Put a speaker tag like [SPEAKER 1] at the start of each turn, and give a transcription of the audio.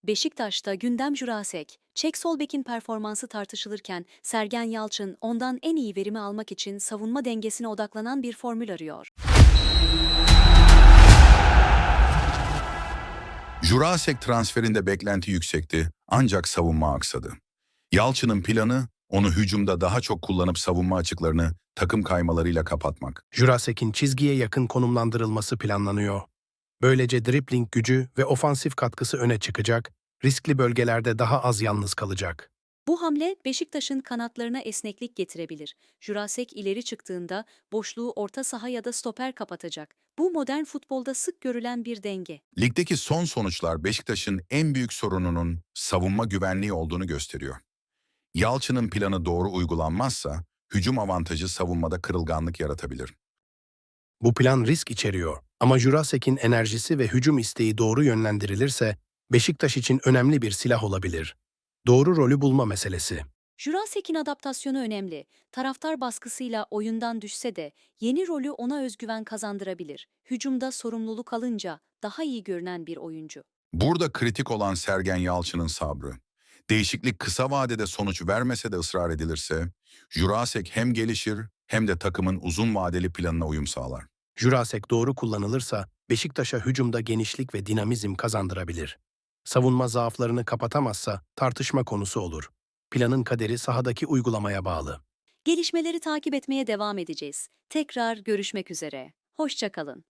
[SPEAKER 1] Beşiktaş'ta gündem Jurasek. Çek sol bekin performansı tartışılırken Sergen Yalçın ondan en iyi verimi almak için savunma dengesine odaklanan bir formül arıyor.
[SPEAKER 2] Jurasek transferinde beklenti yüksekti ancak savunma aksadı. Yalçın'ın planı onu hücumda daha çok kullanıp savunma açıklarını takım kaymalarıyla kapatmak.
[SPEAKER 3] Jurasek'in çizgiye yakın konumlandırılması planlanıyor. Böylece dribling gücü ve ofansif katkısı öne çıkacak, riskli bölgelerde daha az yalnız kalacak.
[SPEAKER 1] Bu hamle Beşiktaş'ın kanatlarına esneklik getirebilir. Jurasek ileri çıktığında boşluğu orta saha ya da stoper kapatacak. Bu modern futbolda sık görülen bir denge.
[SPEAKER 2] Ligdeki son sonuçlar Beşiktaş'ın en büyük sorununun savunma güvenliği olduğunu gösteriyor. Yalçın'ın planı doğru uygulanmazsa hücum avantajı savunmada kırılganlık yaratabilir.
[SPEAKER 3] Bu plan risk içeriyor ama Jurasek'in enerjisi ve hücum isteği doğru yönlendirilirse Beşiktaş için önemli bir silah olabilir. Doğru rolü bulma meselesi.
[SPEAKER 1] Jurasek'in adaptasyonu önemli. Taraftar baskısıyla oyundan düşse de yeni rolü ona özgüven kazandırabilir. Hücumda sorumluluk alınca daha iyi görünen bir oyuncu.
[SPEAKER 2] Burada kritik olan Sergen Yalçın'ın sabrı. Değişiklik kısa vadede sonuç vermese de ısrar edilirse, Jurasek hem gelişir hem de takımın uzun vadeli planına uyum sağlar.
[SPEAKER 3] Jurasek doğru kullanılırsa Beşiktaş'a hücumda genişlik ve dinamizm kazandırabilir. Savunma zaaflarını kapatamazsa tartışma konusu olur. Planın kaderi sahadaki uygulamaya bağlı.
[SPEAKER 1] Gelişmeleri takip etmeye devam edeceğiz. Tekrar görüşmek üzere. Hoşça kalın.